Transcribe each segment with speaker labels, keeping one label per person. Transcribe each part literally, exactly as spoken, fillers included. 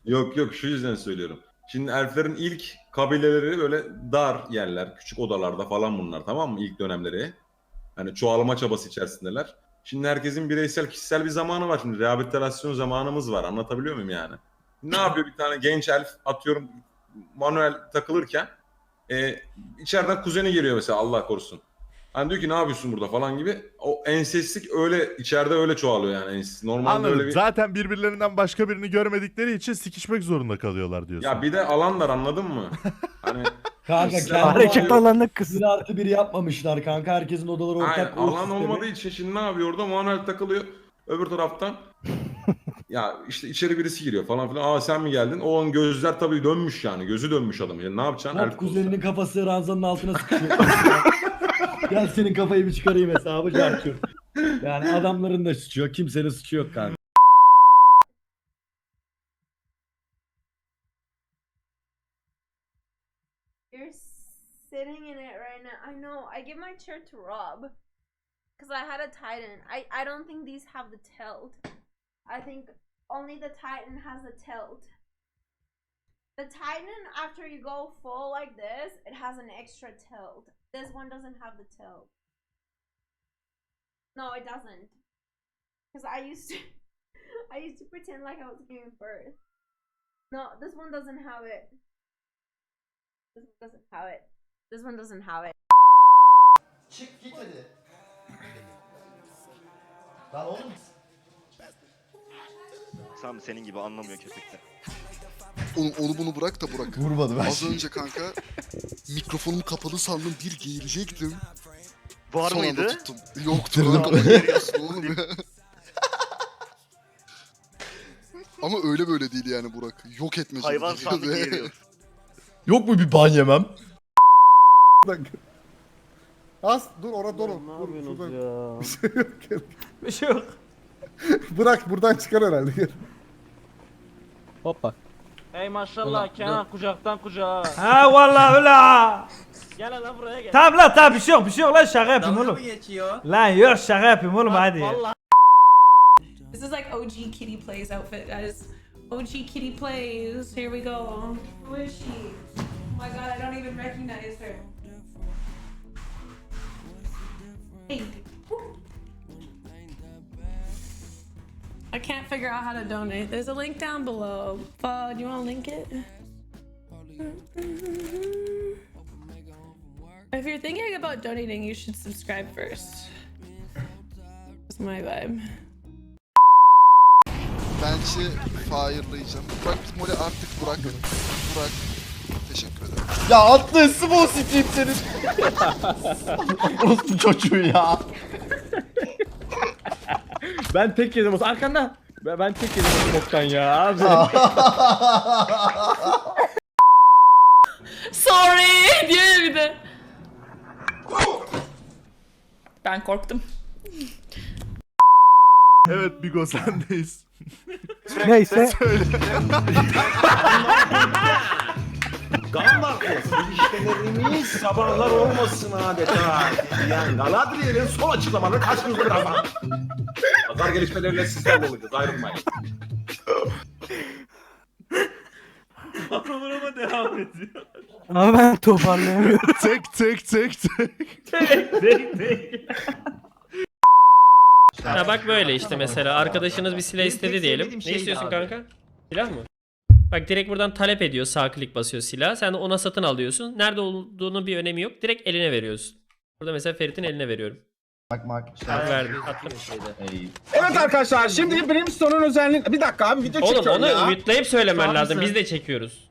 Speaker 1: Yok yok, şu yüzden söylüyorum. Şimdi elflerin ilk kabileleri böyle dar yerler, küçük odalarda falan bunlar, tamam mı? İlk dönemleri. Hani çoğalma çabası içerisindeler. Şimdi herkesin bireysel, kişisel bir zamanı var. Şimdi rehabilitasyon zamanımız var. Anlatabiliyor muyum yani? Ne yapıyor bir tane genç elf, atıyorum manuel takılırken e, içeriden kuzeni geliyor mesela, Allah korusun. Hani diyor ki ne yapıyorsun burada falan gibi. O ensestlik öyle içeride öyle çoğalıyor yani. Ensest. Normalde öyle
Speaker 2: Anladım.
Speaker 1: bir...
Speaker 2: Zaten birbirlerinden başka birini görmedikleri için sikişmek zorunda kalıyorlar diyorsun.
Speaker 1: Ya bir de alanlar, anladın mı? Hani
Speaker 3: Kanka
Speaker 1: kişisel
Speaker 3: kendi
Speaker 1: alan
Speaker 4: Hareket
Speaker 1: oluyor.
Speaker 4: alanı kısıt.
Speaker 3: bir artı bir yapmamışlar kanka. Herkesin odaları
Speaker 1: Aynen,
Speaker 3: ortak. o
Speaker 1: alan
Speaker 3: sistemi.
Speaker 1: olmadığı için şimdi ne yapıyor orada? Manuel takılıyor. Öbür taraftan ya işte içeri birisi giriyor falan filan. Aa sen mi geldin? O an gözler tabii dönmüş yani. Gözü dönmüş adamın. Yani ne yapacaksın?
Speaker 3: Hop
Speaker 1: Elf olsa.
Speaker 3: kuzeninin kafası ranzanın altına sıkışıyor. Gel senin kafayı bir çıkarayım hesabı çarpıyor. Yani adamların da suçu yok. Kimsenin suçu yok kanka.
Speaker 5: You're sitting in it right now. I know. I give my chair to Rob because I had a Titan. I I don't think these have the tilt. I think only the Titan has the tilt. The Titan, after you go full like this, it has an extra tilt. This one doesn't have the tilt. No, it doesn't. Because I used to, I used to pretend like I was giving birth. No, this one doesn't have it. This one doesn't have it. This one doesn't have it.
Speaker 6: Çık git hadi. Lan oğlum.
Speaker 7: Sam senin gibi anlamıyor köpekler.
Speaker 8: Onu, onu bunu bırak da Burak.
Speaker 6: Vurmadı ben.
Speaker 8: Az önce kanka mikrofonum kapalı sandım, bir geğirecektim.
Speaker 7: Var
Speaker 8: Son anda
Speaker 7: mıydı?
Speaker 8: tuttum. Yoktu
Speaker 6: Bitirdim.
Speaker 8: lan. Geriyorsun oğlum ya. Ama öyle böyle değil yani Burak. Yok etmece.
Speaker 7: Hayvan
Speaker 8: gidiyor
Speaker 7: sandık
Speaker 8: ya.
Speaker 7: geliyor.
Speaker 6: Yok mu bir ban yemem?
Speaker 9: Az dur orada dur.
Speaker 4: Ne
Speaker 9: Dur,
Speaker 4: yapıyorsunuz
Speaker 9: şuradan.
Speaker 4: ya?
Speaker 9: Bir şey yok. Bırak buradan çıkar herhalde. Gel.
Speaker 4: Hoppa.
Speaker 10: Ey maşallah Kenan kucaktan kucağa.
Speaker 4: Ha vallahi öyle ha.
Speaker 10: Gel lan buraya gel.
Speaker 4: Tamam lan tamam bir şey yok bir şey yok lan şaka yapayım oğlum.
Speaker 10: geçiyor?
Speaker 4: Lan yok şaka yapayım oğlum hadi ya.
Speaker 10: Vallahi
Speaker 5: This is like O G Kitty Plays outfit, guys. O G Kitty Plays. Here we go. Who is she? Oh my god, I don't even recognize her. Hey. I can't figure out how to donate. There's a link down below. Uh, do you want to link it? If you're thinking about donating, you should subscribe first. That's my vibe.
Speaker 8: Bence fire'layacağım. Burak Mole artık Burak. Burak. Teşekkür ederim.
Speaker 6: Ya atlı small sikeyim senin. Orospu çocuğu ya.
Speaker 4: Ben tek yedim olsa arkanda. Ben, ben tek yedim o boktan ya abi.
Speaker 5: Sorry diyor ya bir de. Ben korktum.
Speaker 2: Evet Bigo sendeyiz.
Speaker 4: Neyse.
Speaker 11: Gambartız ilişkilerimiz sabahlar olmasın adeta. Yani Galadriel'in son açıklamaları karşınızda birazdan. Pazar gelişmeleriyle sizlerle olacağız, ayrılmayın.
Speaker 2: Programa devam ediyor.
Speaker 4: Ama ben toparlayamıyorum.
Speaker 2: tek tek tek tek.
Speaker 10: Ha bak böyle işte mesela arkadaşınız bir silah istedi diyelim. Ne istiyorsun kanka? Silah mı? Bak direkt buradan talep ediyor. Sağ klik basıyor silah. Sen de ona satın alıyorsun. Nerede olduğunu bir önemi yok. Direkt eline veriyorsun. Burada mesela Ferit'in eline veriyorum.
Speaker 6: Bak bak.
Speaker 10: Bak verdim. Attım.
Speaker 11: Evet arkadaşlar, şimdi Brimstone'un özelliği... Bir dakika abi, video
Speaker 10: Oğlum
Speaker 11: çekiyorum
Speaker 10: onu
Speaker 11: ya.
Speaker 10: mute'layıp söylemen
Speaker 11: Tamam
Speaker 10: lazım.
Speaker 11: mısın?
Speaker 10: Biz de çekiyoruz.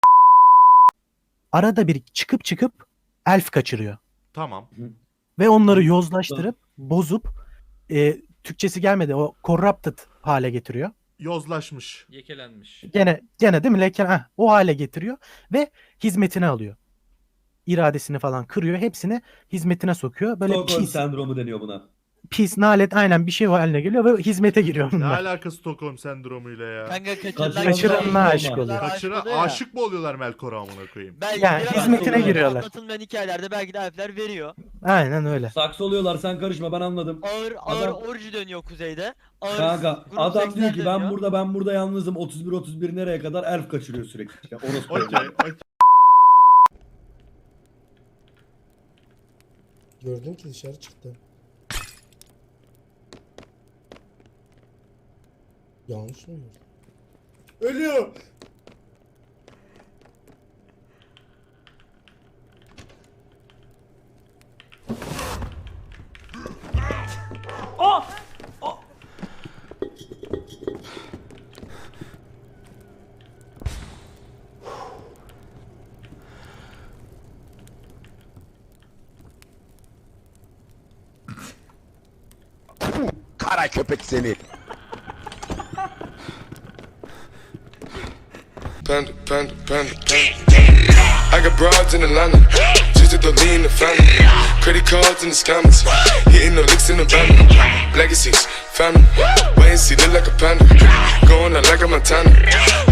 Speaker 4: Arada bir çıkıp çıkıp elf kaçırıyor.
Speaker 2: Tamam.
Speaker 4: Ve onları yozlaştırıp bozup e, Türkçesi gelmedi o corrupted hale getiriyor.
Speaker 2: Yozlaşmış.
Speaker 10: Yekelenmiş.
Speaker 4: Gene gene değil mi? Leken heh, o hale getiriyor ve hizmetine alıyor. İradesini falan kırıyor. Hepsini hizmetine sokuyor. Böyle
Speaker 3: Stockholm
Speaker 4: pis.
Speaker 3: sendromu deniyor buna.
Speaker 4: pis, nalet aynen bir şey haline geliyor ve hizmete giriyor
Speaker 2: Ne
Speaker 4: bunlar.
Speaker 2: alakası Stockholm sendromuyla ya?
Speaker 3: Kaçıran-
Speaker 4: Kaçıranına aşık oluyor.
Speaker 2: Kaçıra aşık mı oluyorlar Melkor'a amına koyayım?
Speaker 4: Yani hizmetine giriyorlar.
Speaker 3: Anlatılmayan hikayelerde belki de elfler veriyor.
Speaker 4: Aynen öyle.
Speaker 3: Saksı oluyorlar, sen karışma, ben anladım.
Speaker 12: Ağır ağır
Speaker 3: Adam-
Speaker 12: orji dönüyor kuzeyde. Ağır
Speaker 3: Kanka
Speaker 12: grup
Speaker 3: adam
Speaker 12: seksler
Speaker 3: diyor ki ben
Speaker 12: dönüyor.
Speaker 3: burada ben burada yalnızım, otuz bir otuz bir nereye kadar elf kaçırıyor sürekli. Ya, orospu.
Speaker 2: Okey, okey.
Speaker 9: Gördüm ki dışarı çıktı. Yanlış mı gördüm? Ölüyor.
Speaker 11: Kara köpek seni.
Speaker 8: Panda, panda, panda, panda. I got broads in Atlanta, just to lean in the family. Credit cards in the scammers, hitting the licks in the van. Legacies, family, wait and see, look like a panda. Going out like a Montana.